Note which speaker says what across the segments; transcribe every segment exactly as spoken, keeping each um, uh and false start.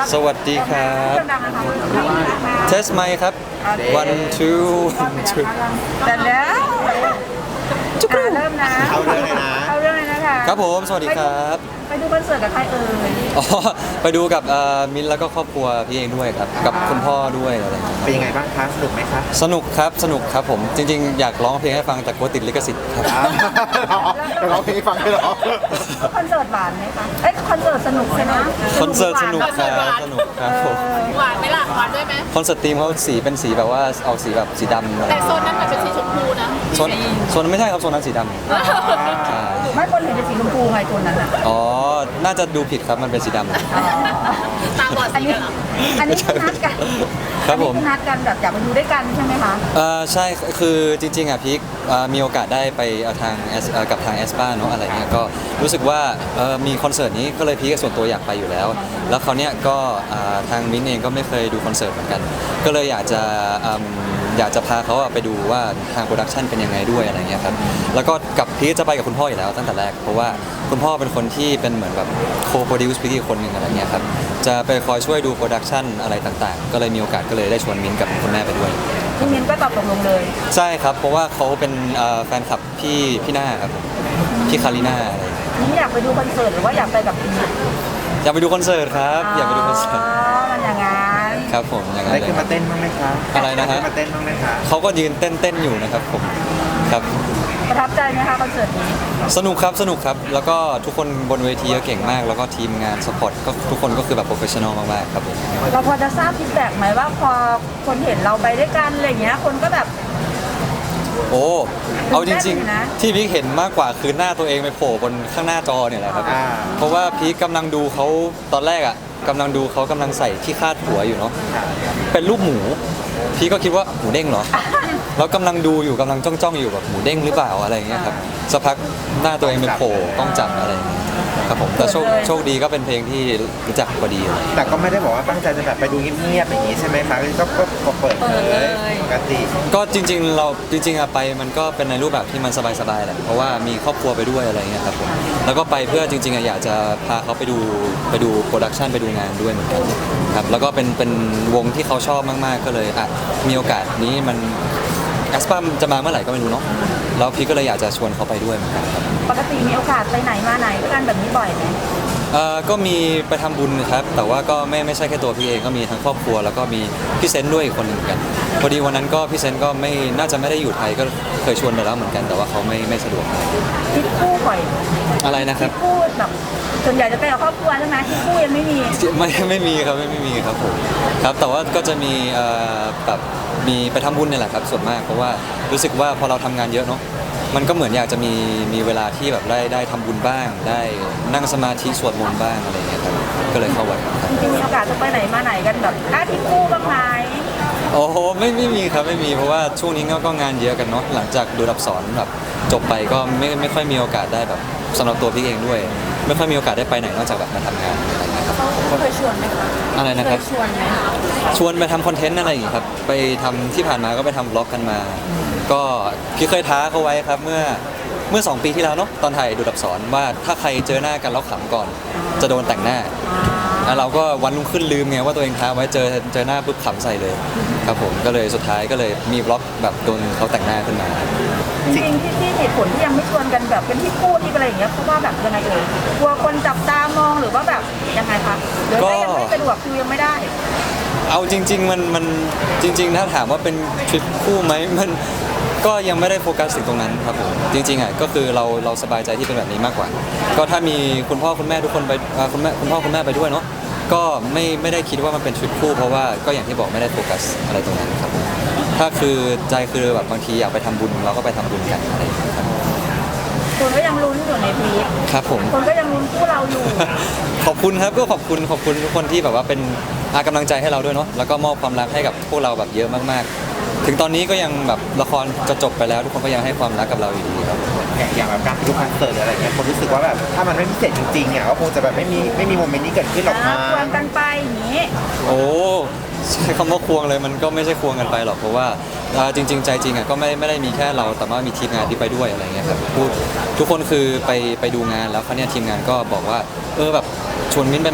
Speaker 1: สวัสดีครับเทสไมค์ครับ one two one two
Speaker 2: แต่แล้วจุ๊บเริ่มนะ
Speaker 3: เข้าเรื่องเลยนะ
Speaker 2: เข้าเรื่องเลยนะคะ
Speaker 1: ครับผมสวัสดีครับ
Speaker 2: ไปดูคอนเสิร์ตกับใครเอ่ย
Speaker 1: อ๋อไปดูกับเอ่อมิ้นท์แล้วก็ครอบครัวพี่เองด้วยครับกับคุณพ่อด้วยอะไรอย่างเงี้ย
Speaker 3: เป็นยังไงบ้างคะสนุกไหมคะ
Speaker 1: สนุกครับสนุกครับผมจริงๆอยากร้องเพลงให้ฟังแต่กลัวติดลิขสิทธิ์ครับ
Speaker 3: เดี๋ยวเราเพลงให้ฟังด้วยเหรอ
Speaker 2: คอนเสิร์ตหวานไหมคะเอ้ยคอนเสิร์ตสนุกใช่ไหม
Speaker 1: คอนเสิร์ตสนุกครับสนุกครับผม
Speaker 4: หวานไหมล่ะหวานด้วยไหม
Speaker 1: คอนเสิร์ตทีมเขาสีเป็นสีแบบว่าเอาสีแบบสีดำอะไร
Speaker 4: แต่โซนนั้นมันเป็นสีชมพูนะ
Speaker 1: โซนโซนนั้นไม่ใช่ครับโซนนั้นสีดำใช่
Speaker 2: ไม่คนเห็นเป็นสีชมพูไงตัวนั้นอ่ะ
Speaker 1: อ๋อน่าจะดูผิดครับมันเป็นสีดำ
Speaker 4: ตาบอด
Speaker 2: อัน
Speaker 4: สี
Speaker 2: นี้
Speaker 4: เหรอ
Speaker 2: อันนี้คือนัดกัน
Speaker 1: ครับผม
Speaker 2: อันนี้อนัดกันแบบอยากไปดูด้วยกันใช่ไหมคะ
Speaker 1: เออใช่คือจริงๆอ่ะพีคเอ่อมีโอกาสได้ไปเอ่อทาง S เอ่อกับทางแอสปาเนาะอะไรเงี้ยก็รู้สึกว่าเอ่อมีคอนเสิร์ตนี้ก็เลยพีคส่วนตัวอยากไปอยู่แล้ว แล้วเขาวเนี้ยก็อ่าทางมิ้นท์เองก็ไม่เคยดูคอนเสิร์ตเหมือนกัน ก็เลยอยากจะอืมอยากจะพาเขาอะไปดูว่าทางโปรดักชันเป็นยังไงด้วยอะไรเงี้ยครับแล้วก็กับพีคจะไปกับคุณพ่ออยู่แล้วตั้งแต่แรกเพราะว่าคุณพ่อเป็นคนที่เป็นเหมือนแบบโคโปรดิวส์พีคอีกคนหนึ่งอะไรเงี้ยครับจะไปคอยช่วยดูโปรดักชันอะไรต่างๆ ก็เลยมีโอกาสก็เลยได้ชวนมิ้นท์กับคุณแม่ไปด้วย
Speaker 2: พี่มิ้นก็ตอบตกลงเลย
Speaker 1: ใช่ครับ เพราะว่าเขาเป็นเอ่อแฟนคลับพี่พี่หน้าครับผมพี่คาริน่าอะไรอย่างเงี้ย
Speaker 2: มิ้นอยากไปดูคอนเสิร์ตหรือว่าอยากไปกับพี่
Speaker 1: อยากไปดูคอนเสิร์ตครับ อยากไปดูคอนเสิร์ต
Speaker 2: อ๋อมันอย่างงั้น
Speaker 1: ครับผมอย่างนั้น
Speaker 3: ได้
Speaker 1: เลย
Speaker 3: ขึ้นมาเต้นบ้างไหมคะ
Speaker 1: อะไรนะฮะ
Speaker 3: ด้ขึ้นมาเต้นบ้างไหมคะ
Speaker 1: เขาก็ยืนเต้นเต้นอยู่นะครับผมครับ
Speaker 2: ประทับใจไหมคะคอนเสิร์ตนี้
Speaker 1: สนุกครับสนุกครับ แล้วก็ทุกคนบนเวทีก็เก่งมาก แล้วก็ทีมงานสปอร์ตก็ทุกคนก็คือแบบโปรเฟชชั่นอลมากๆครับผม
Speaker 2: เราพอจะทราบฟีดแบ็กไหมว่าพอคนเห็นเราไปด้วยกันอะไรอย่างเงี้ยคนก็แบบ
Speaker 1: โอ้เอาจริง
Speaker 2: นะ
Speaker 1: ๆ ที่พีคเห็นมากกว่าคือหน้าตัวเองไปโผล่บนข้างหน้าจอเนี่ยแหละครับ
Speaker 3: อ่า
Speaker 1: เพราะว่าพีคกำลังดูเขาตอนแรกอ่ะกำลังดูเขากำลังใส่ที่คาดหัวอยู่เนาะเป็นรูปหมู พี่ก็คิดว่าหมูเด้งเหรอ แล้วกำลังดูอยู่กำลังจ้องจ้องๆอยู่แบบหมูเด้งหรือเปล่าอะไรอย่างเงี้ยครับสักพักหน้าตัวเองเป็นโผล่กล้องจับอะไรอย่างเงี้ยครับผมแต่โชคโชคดีก็เป็นเพลงที่รู้จักพอดีอะไรอย่างเงี้ย
Speaker 3: แต่ก็ไม่ได้บอกว่าตั้งใจจะแบบไปดูเงียบๆอย่างนี้ใช่ไหมคะก็ก็ก็เปิดเลยปกติ
Speaker 1: ก็จริงๆเราจริงๆอะไปมันก็เป็นในรูปแบบที่มันสบายๆแหละเพราะว่ามีครอบครัวไปด้วยอะไรเงี้ยครับผมแล้วก็ไปเพื่อจริงๆอะอยากจะพาเขาไปดูไปดูโปรดักชันไปดูงานด้วยเหมือนกันครับแล้วก็เป็นเป็นวงที่เขาชอบมากๆก็เลยอ่ะมีโอกาสนี้มันแอสปามจะมาเมื่อไหร่ก็ไม่รู้เนาะแล้วพี่ก็เลยอยากจะชวนเขาไปด้วยเหมือนกันครับ
Speaker 2: ปกติมีโอกาสไปไหนมาไหนด้วยกันแบบนี้บ่อยไหม
Speaker 1: เอ่อก็มีไปทำบุญครับ แต่ว่าก็ไม่ไม่ใช่แค่ตัวพี่เองก็มีทั้งครอบครัว แล้วก็มีพี่เซนต์ด้วยอีกคนหนึ่งเหมือนกันพอดีวันนั้นก็พี่เซนต์ก็ไม่น่าจะไม่ได้อยู่ไทยก็เคยชวนไปแล้วเหมือนกัน แต่ว่าเขาไม่ไม่สะดวก
Speaker 2: ทริปคู่บ่อยไหม
Speaker 1: อะไรนะครับ
Speaker 2: คู่แบบส่วนใหญ่จะไปกับครอบครัวใช่ไหมทริปคู่ยังไม่มี
Speaker 1: ไม่ไม่มีครับไม่ไม่มีครับผมครับแต่ว่าก็จะมีเอ่อแบบมีไปทำบุญเนี่ยแหละครับส่วนมากเพราะว่ารู้สึกว่าพอเราทำงานเยอะเนาะมันก็เหมือนอยากจะมีมีเวลาที่แบบได้ได้ทำบุญบ้าง ได้นั่งสมาธิสวดมนต์บ้างอะไรอย่างเงี้ยครับก็เลยเข้าวัดครับ
Speaker 2: จริงๆมีโอกาสจะไปไหนมาไหนกันแบบอ้าทริปคู่บ้างไหม
Speaker 1: โอ้โหไม่ไม่มีครับไม่มีเพราะว่าช่วงนี้ก็ก็งานเยอะกันเนาะหลังจากดูรับสอนแบบจบไปก็ไม่ไม่ค่อยมีโอกาสได้แบบสำหรับตัวพี่เองด้วย ไม่ค่อยมีโอกาสได้ไปไหนนอกจากแบบมาทำงานอะไรอย่างเงี้ยครับ
Speaker 2: เขาเคยชวนไหมคะ
Speaker 1: อะไรนะครับ
Speaker 2: ชวนไหม
Speaker 1: ชวนไปทำคอนเทนต์อะไรอย่างงี้ครับ ไปทำที่ผ่านมาก็ไปทำบล็อกกันมา ก็พี่เคยท้าเขาไว้ครับเมื่อเมื่อสองปีที่แล้วเนาะตอนถ่ายดูดับสอนว่าถ้าใครเจอหน้ากันแล้วขำก่อน จะโดนแต่งหน้าแล้วเราก็วันรุ่งขึ้นลืมไงว่าตัวเองท้าไว้เจอเจอหน้าปุ๊บขำใส่เลยครับผมก็เลยสุดท้ายก็เลยมีบล็อกแบบโดนเขาแต่งหน้าขึ้นมา
Speaker 2: จริงๆที่ที่เหตุผลที่ยังไม่ชวนกันแบบเป็นที่คู่ที่อะไรอย่างเงี้ยเพราะว่าแบบยังไงเอ่ยกลัวคนจับตามองหรือว่าแบบยังไงคะหรือว่ายังไม่สะดวกคือยังไม่ได้
Speaker 1: เอาจริง ๆ มันมันจริง ๆ ถ้าถามว่าเป็นทริปคู่ไหมมันก็ยังไม่ได้โฟกัสถึงตรงนั้นครับผมจริงๆอ่ะก็คือเราเราสบายใจที่เป็นแบบนี้มากกว่า ก็ถ้ามีคุณพ่อคุณแม่ทุกคนไปอ่าคุณแม่คุณพ่อคุณแม่ไปด้วยเนาะก็ไม่ไม่ได้คิดว่ามันเป็นทริปคู่เพราะว่าก็อย่างที่บอกไม่ได้โฟกัสอะไรตรงนั้นครับผมถ้าคือใจคือแบบบางทีอยากไปทำบุญเราก็ไปทำบุญกันอะไรอย่างเงี้ยครับ
Speaker 2: คนก็ยังลุ้นอยู่ในทริป
Speaker 1: ครับผม
Speaker 2: คนก็ยังลุ้นคู่เราอยู่
Speaker 1: ขอบคุณครับก็ขอบคุณขอบคุณทุกคนที่แบบว่าเป็นอากำลังใจให้เราด้วยเนาะแล้วก็มอบความรักให้กับพวกเราแบบเยอะมากๆ ถึงตอนนี้ก็ยังแบบละครจะจบไปแล้วทุกคนก็ยังให้ความรักกับเราอยู่ดีครับ
Speaker 3: อย่างอย่างแบบการไปดูคอนเสิร์ตหรืออะไรเงี้ยคนรู้สึกว่าแบบถ้ามันไม่พิเศษจริงๆอ่ะก็คงจะแบบไม่มีไม่มีโมเมนต์นี้เกิดขึ้นหรอก
Speaker 2: นะ
Speaker 3: มา
Speaker 2: ควงกันไปอย่างนี้
Speaker 1: โอ้ใช้คำว่าควงเลยมันก็ไม่ใช่ควงกันไปหรอกเพราะว่าอ่าจริง ๆ ใจจริงอ่ะก็ไม่ไม่ได้มีแค่เราแต่ว่ามีทีมงานที่ไปด้วยอะไรเงี้ยครับพูดทุกคนคือไปไปดูงานแล้วเขาวเนี่ยทีมงานก็บอกว่าเออแบบชวนมิ้นท์ไปไหม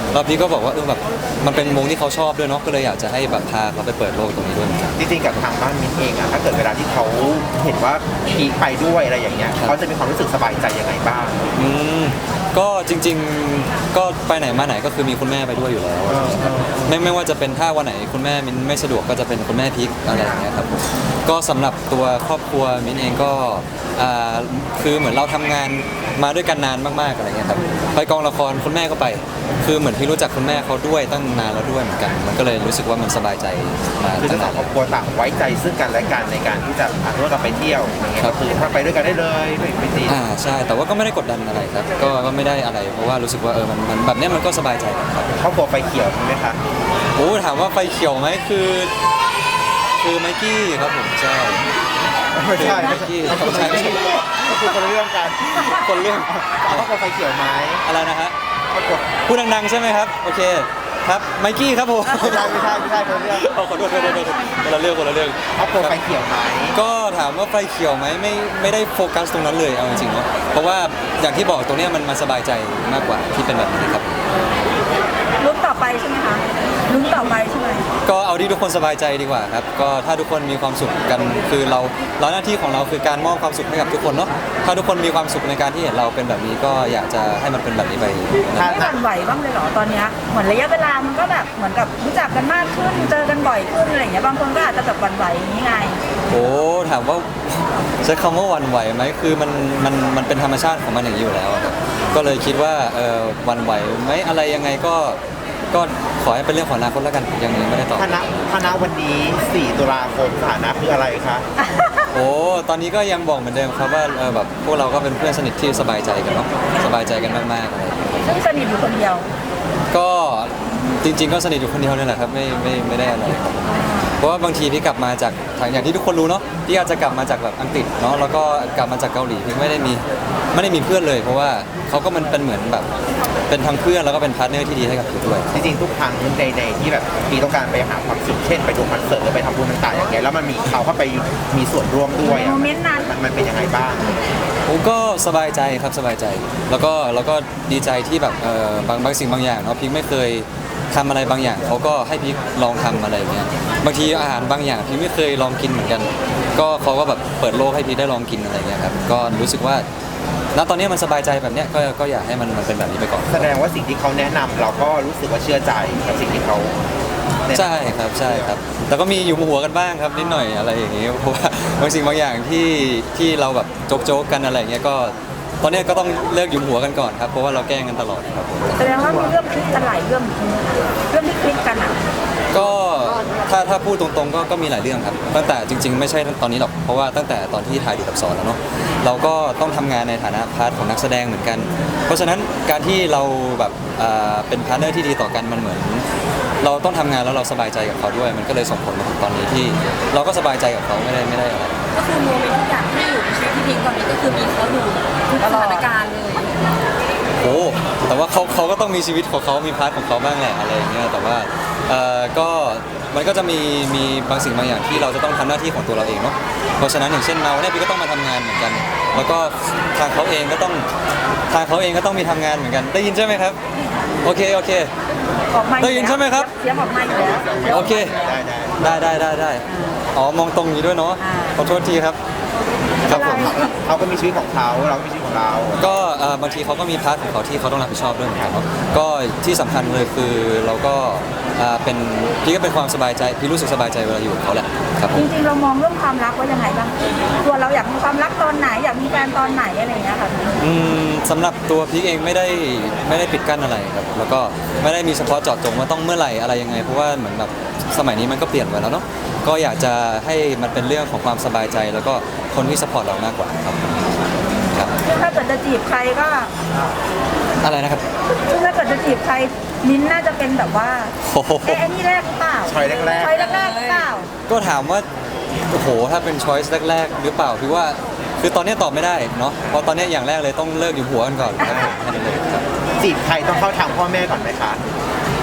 Speaker 1: แล้วพี่ก็บอกว่าเออแบบมันเป็นวงที่เขาชอบด้วยเนาะก็เลยอยากจะให้แบบพาเขาไปเปิดโลกตรงนี้ด้วยเหมือนกัน
Speaker 3: จริงๆกับทางบ้านมิ้นเองอะถ้าเกิดเวลาที่เขาเห็นว่าพีคไปด้วยอะไรอย่างเงี้ย
Speaker 1: ครับ
Speaker 3: เขาจะมีความรู้สึกสบายใจยังไงบ้าง
Speaker 1: อืมก็จริงๆก็ไปไหนมาไหนก็คือมีคุณแม่ไปด้วยอยู่แล้ว
Speaker 3: เออเออ
Speaker 1: ไม่ไม่ว่าจะเป็นถ้าวันไหนคุณแม่มินไม่สะดวกก็จะเป็นคุณแม่พิกอะไรอย่างเงี้ยครับผมก็สำหรับตัวครอบครัวมินเองก็อ่าคือเหมือนเราทำงานมาด้วยกันนานมากๆอะไรเงี้ยครับไปกองละครคุณแม่ก็ไป คือเหมือนพี่รู้จักคุณแม่เขาด้วยตั้งนานแล้วด้วยเหมือนกัน มันก็เลยรู้สึกว่ามันสบายใจมา
Speaker 3: คือ
Speaker 1: ตั้
Speaker 3: ทั้
Speaker 1: ง
Speaker 3: งส
Speaker 1: นา
Speaker 3: อง
Speaker 1: น
Speaker 3: ครอบครัวต่างไว้ใจซึ่งกันและกันในการที่จะพาตัวเราไปเที่ยวอย่างเงี้ย
Speaker 1: ครั
Speaker 3: ก็
Speaker 1: บ
Speaker 3: คือถ้าไปด้วยกันได้เลยไม่ไม่ติด
Speaker 1: อ่าใช่แต่ว่าก็ไม่ได้กดดันอะไรครับก็ก็ไม่ได้อะไรเพราะว่ารู้สึกว่าเออมันมันแบบเนี้ยมันก็สบายใจครับ
Speaker 3: ครอบครัวไฟเขียวใช่ไหมคะ
Speaker 1: โอ้ถามว่าไฟเขียวไหมคือ คือไมกี้ครับผมใช่
Speaker 3: ไม่ใช่
Speaker 1: ไม
Speaker 3: ไม่
Speaker 1: กี้
Speaker 3: ใช่
Speaker 1: ไม่ใช่ไม่ใช่
Speaker 3: คือคนละเรื่องกัน
Speaker 1: คนเรื่อง
Speaker 3: ครอบครัวไฟเขียวไหม
Speaker 1: อะไรนะฮะ
Speaker 3: ครอบครัว
Speaker 1: พูดดังๆใช่ไหมครับโอเคครับไมกี้ครับผม
Speaker 3: ไม่ใช่ไม่ใช่ไม่ใช่คนละเรื่อง
Speaker 1: เอาขอโทษขอโทษขอโทษคนละเรื่องคนละเรื่อง
Speaker 3: ครอบครัวไฟเขียวไหม
Speaker 1: ก็ถามว่าไฟเขียวไหมไม่ไม่ได้โฟกัสตรงนั้นเลยเอาจริงๆเนาะเพราะว่าอย่างที่บอกตรงเนี้ยมันมันสบายใจมากกว่าที่เป็นแบบนี้ครับ
Speaker 2: ลุ้นต่อไปใช่ไหมคะลุ้นต่อไปใช่ไหม
Speaker 1: ก็เอาที่ทุกคนสบายใจดีกว่าครับก็ถ้าทุกคนมีความสุขกันคือเราเราหน้าที่ของเราคือการมอบความสุขให้กับทุกคนเนาะถ้าทุกคนมีความสุขในการที่เห็นเราเป็นแบบนี้ก็อยากจะให้มันเป็นแบบนี้ไป
Speaker 3: ถ้า
Speaker 2: ไม่หวั่นไหวบ้างเลยเหรอตอนเนี้ยเหมือนระยะเวลามันก็แบบเหมือนกับรู้จักกันมากขึ้นเจอกันบ่อยขึ้นอะไรอย่างเงี้ยบางคนก็อาจจะแบบหวั่นไหวอย่างนี้ไง
Speaker 1: โอ้ถามว่าใช้คำว่าหวันไหวไหมคือมันมันมันเป็นธรรมชาติของมันอย่างนี้อยู่แล้วอะครับก็เลยคิดว่าเออหวันไหวไหมอะไรยังไงก็ก็ขอให้เป็นเรื่องของอนาคตแล้วกันยังไม่ได้ตอบ
Speaker 3: คณะคณะวันนี้สี่ตุลาคมสถานะคืออะไรคะ
Speaker 1: โอ้ตอนนี้ก็ยังบอกเหมือนเดิมครับว่าเออแบบพวกเราก็เป็นเพื่อนสนิทที่สบายใจกันเนาะสบายใจกันมากๆอะไรอย่างเงี้ย
Speaker 2: ซึ่งสนิทอยู่คนเดียว
Speaker 1: ก็จริง ๆ ก็สนิทอยู่คนเดียวนี่แหละครับไม่ไม่ไม่ได้อะไรครับเพราะว่าบางทีพี่กลับมาจากทางอย่างที่ทุกคนรู้เนาะพี่อาจจะกลับมาจากแบบอังกฤษเนาะแล้วก็กลับมาจากเกาหลีพี่ไม่ได้มีไม่ได้มีเพื่อนเลย เพราะว่าเขาก็มันเป็นเหมือนแบบเป็นทั้งเพื่อนแล้วก็เป็นพาร์ทเนอร์ที่ดีให้กับพี่ด้วย
Speaker 3: จริงๆทุกครั้งในในที่แบบมีต้องการไปหาความสุขเช่นไปดูคอนเสิร์ตหรือไปทำบุญต่างๆอย่างเงี้ยแล้วมันมีเขาเข้าไปมีส่วนร่วมด้วยอะ
Speaker 2: โมเมนต์นั้น
Speaker 3: มันมันเป็นยังไงบ้าง
Speaker 1: ผมก็สบายใจครับสบายใจ แล้วก็แล้วก็ดีใจที่แบบเออบางบางสิ่งบางอย่างเนาะพี่ไม่เคยทำอะไรบางอย่างเขาก็ให้พี่ลองทำอะไรอย่างเงี้ยบางทีอาหารบางอย่างพี่ไม่เคยลองกินเหมือนกัน ก็เขาก็แบบเปิดโลกให้พี่ได้ลองกินอะไรอย่างเงี้ยครับก็รู้สึกว่าณตอนนี้มันสบายใจแบบเนี้ยก็ก็อยากให้มันมันเป็นแบบนี้ไปก่อน
Speaker 3: แสดงว่าสิ่งที่เขาแนะนำเราก็รู้สึกว่าเชื่อใจกับสิ่งที่เขาแนะนำ
Speaker 1: ใช่ครับใช่ครับแต่ก็มีอยู่หัวกันบ้างครับนิดหน่อยอะไรอย่างงี้เพราะว่าบางสิ่งบางอย่างที่ที่เราแบบโจ๊กๆกันอะไรอย่างเงี้ยก็ตอนเนี้ยก็ต้องเลิกหยุมหัวกันก่อนครับเพราะว่าเราแกล้งกันตลอดครับผม
Speaker 2: แสดงว่ามีเรื่องคลิกกันหลายเรื่องจริงๆนะคะเรื่องที่คลิกกันอ่ะ
Speaker 1: ก็ถ้าถ้าพูดตรงๆก็ก็มีหลายเรื่องครับตั้งแต่จริง ๆ ไม่ใช่ตอนนี้หรอกเพราะว่าตั้งแต่ตอนที่ถ่ายดูดับสอนแล้วเนาะเราก็ต้องทำงานในฐานะพาร์ทของนักแสดงเหมือนกัน เพราะฉะนั้นการที่เราแบบอ่าเป็นพาร์ทเนอร์ที่ดีต่อกันมันเหมือน เราต้องทำงานแล้วเราสบายใจกับเขาด้วย มันก็เลยส่งผลมาถึงตอนนี้ที่ เราก็สบายใจกับเขาไม่ได้ไม่ได้อะไร
Speaker 4: ก็คือโมเมนต์ทุกอย่างที่อยู่ในชีวิตพี่พิงตอนนี้ก็คือมีเขาอยู่ทุกสถานการณ์เลย
Speaker 1: โอ้แต่ว่าเขาเขาก็ต้องมีชีวิตของเขามีพาร์ทของเขาบ้างแหละอะไรอย่างเงี้ยแต่ว่าเอ่อก็มันก็จะมีมีบางสิ่งบางอย่างที่เราจะต้องทำหน้าที่ของตัวเราเองเนาะเพราะฉะนั้นอย่างเช่นเราเนี่ยพี่ก็ต้องมาทำงานเหมือนกัน แล้วก็ทางเขาเองก็ต้องทางเขาเองก็ต้องมีทำงานเหมือนกันได้ยินใช่ไหมครับโอเคโอเค
Speaker 2: ออกมา
Speaker 1: ได้ยินใช่ไหมครับ
Speaker 2: เสียงออกมาอยู่แล้ว
Speaker 1: โอเค
Speaker 3: ได้ได้
Speaker 1: ได้ได้ได้ได้อ๋อมองตรงนี้ด้วยเนาะ
Speaker 2: อ่า
Speaker 1: ขอโทษทีครับครับผม
Speaker 3: เขาก็มีชีวิตของเขาเราก็มีชีวิตของเรา
Speaker 1: ก็เอ่อบางทีเขาก็มีพาร์ทของเขาที่เขาต้องรับผิดชอบด้วยเหมือนกันเนาะก็ที่สำคัญเลยคือเราก็อ่าเป็นพี่ก็เป็นความสบายใจพี่รู้สึกสบายใจเวลาอยู่กับเขาแหละครับผ
Speaker 2: จ
Speaker 1: ม
Speaker 2: ริงๆเรามองเรื่องความรักว่ายังไงบ้างตัวเราอยากมีความรักตอนไหนอยากมีแฟนตอนไหนอะไรอย่างเงี้ยค่ะ
Speaker 1: อืมสำหรับตัวพี่เองไม่ได้ไม่ได้ปิดกั้นอะไรครับแล้วก็ไม่ได้มีเฉพาะเจาะจงว่าต้องเมื่อไหร่อะไรยังไงเพราะว่าเหมือนแบบสมัยนี้มันก็เปลี่ยนไปแล้วเนาะก็อยากจะให้มันเป็นเรื่องของความสบายใจ แล้วก็คนที่สปอร์ตเรามากกว่าครับครับ
Speaker 2: ซึ่งถ้าเกิดจะจีบใครก็
Speaker 1: อะไรนะครับ
Speaker 2: ซึ่งถ้าเกิดจะจีบใครมิ้นท์น่าจะเป็นแบบว่า
Speaker 1: โอ้โห
Speaker 2: เอ๊ะไอ้นี่แรกหรือเปล่า
Speaker 3: ช้อยแรกๆ
Speaker 2: ช้อยแรกๆหรือเปล่า
Speaker 1: ก็ถามว่าโอ้โหถ้าเป็นช้อยส์แรก ๆ หรือเปล่าพี่ว่าคือตอนนี้ตอบไม่ได้เนาะเพราะตอนนี้อย่างแรกเลยต้องเลิกอยู่หัวกันก่อนครับผมแค่นั้นเลยครับ
Speaker 3: จีบใครต้องเข้าทางพ่อแม่ก่อนไหมคะ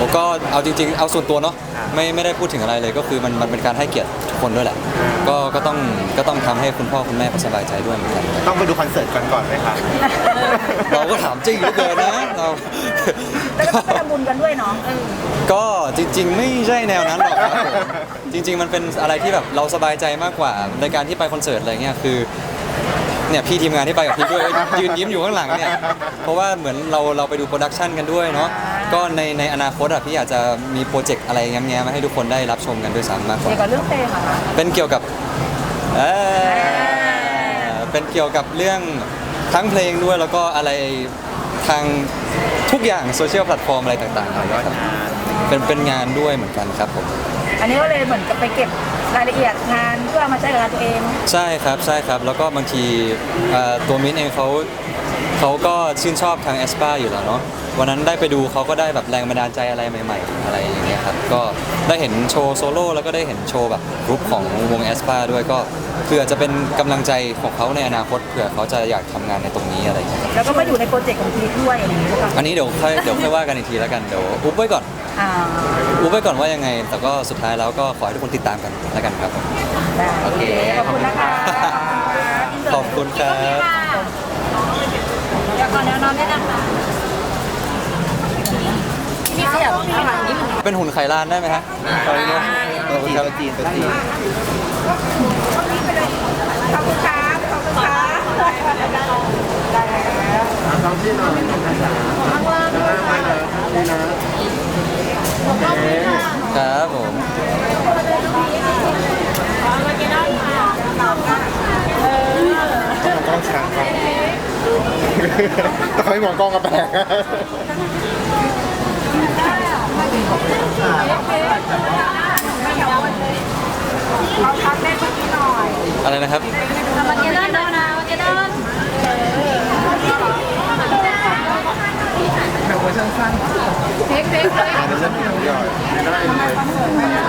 Speaker 1: ผมก็เอาจริงๆเอาส่วนตัวเนาะไม่ไม่ได้พูดถึงอะไรเลยก็คือมันมันเป็นการให้เกียรติทุกคนด้วยแหละก็ก็ต้องก็ต้องทำให้คุณพ่อคุณแม่เขาสบายใจด้วยเหมือนกัน
Speaker 3: ต้องไปดูคอนเสิร์ตกันก่อนไหมครับ
Speaker 1: เราก็ถามจริงเหลือเกินนะเรา
Speaker 2: แล้วก็ต้องไปทำบุญกันด้วยเนาะ
Speaker 1: ก็จริง ๆ ไม่ใช่แนวนั้นหรอกครับผมจริง ๆ มันเป็นอะไรที่แบบเราสบายใจมากกว่าในการที่ไปคอนเสิร์ตอะไรเงี้ยคือเนี่ยพี่ทีมงานที่ไปกับพี่ด้วยยืนยิ้มอยู่ข้างหลังเนี่ยเพราะว่าเหมือนเราเราไปดูโปรดักชันกันด้วยเนาะก็ในในอนาคตอ่ะพี่อยากจะมีโปรเจกต์อะไรแง้มๆมาให้ทุกคนได้รับชมกันด้วยซ้ำมากกว่า
Speaker 2: เกี่ยวกับเรื่องเพลงเหรอคะ
Speaker 1: เป็นเกี่ยวกับเอ่อเป็นเกี่ยวกับเรื่องทั้งเพลงด้วยแล้วก็อะไรทางทุกอย่างโซเชียลแพลตฟอร์มอะไรต่างๆนะครับเป็นเป็นงานด้วยเหมือนกันครับผม
Speaker 2: อันนี้ก็เลยเหมือนกับไปเก็บรายละเอียดงานเพื่อเอามาใช้กับงานตัวเอง
Speaker 1: ใช่ครับใช่ครับแล้วก็บางทีเอ่อตัวมิ้นเองเขาเขาก็ชื่นชอบทางแอสปาอยู่แล้วเนาะวันนั้นได้ไปดูเขาก็ได้แบบแรงบันดาลใจอะไรใหม่ๆอะไรอย่างเงี้ยครับก็ได้เห็นโชว์โซโล่แล้วก็ได้เห็นโชว์แบบกรุ๊ปของวงแอสปาด้วยก็เพื่อจะเป็นกำลังใจของเขาในอนาคตเผื่อเขาจะอยากทำงานในตรงนี้อะไรอย่างเงี้ย
Speaker 2: แล้วก็มาอยู่ในโปรเจกต์ของพีทด้วยอย่างนี้หรือเปล่า
Speaker 1: อันนี้เดี๋ยวค่อยเดี๋ยวค่อยว่ากันอีกทีแล้วกันเดี๋ยวอุ๊บไว้ก่อน
Speaker 2: อ่า
Speaker 1: อุ๊บไว้ก่อนว่ายังไง แต่ก็สุดท้ายแล้วก็ขอให้ทุกคนติดตามกันแล้วกันครับ
Speaker 2: ได้
Speaker 3: โอเค
Speaker 2: ขอบคุณนะคะ
Speaker 1: ขอบคุณครับ
Speaker 4: เดี๋ยวก่อนเดี๋ยวนอนได้นะคะพี่ขยับข้างหลังนิดนึง
Speaker 1: เป็นหุ่นไข่ลานได้ไหมฮะขอบคุณครับขอบคุณ
Speaker 3: จี
Speaker 1: คน รับ
Speaker 3: ตัวจีนตัวจีน
Speaker 2: ขอบคุณครับขอบคุณครับได้แล้ว
Speaker 1: ครับผม
Speaker 3: กล้องช้างกล้องต้องให้มองกล้องกระแปลก
Speaker 2: เราทักได้เมื่อกี้หน่อย
Speaker 1: อะไรนะครับ
Speaker 4: วันนี้เดินนะวันนี้เดิน
Speaker 3: แบบเวอร์ชันสั้น
Speaker 4: เพ็กเพ็กเลย
Speaker 3: เวอร์ชันย่อย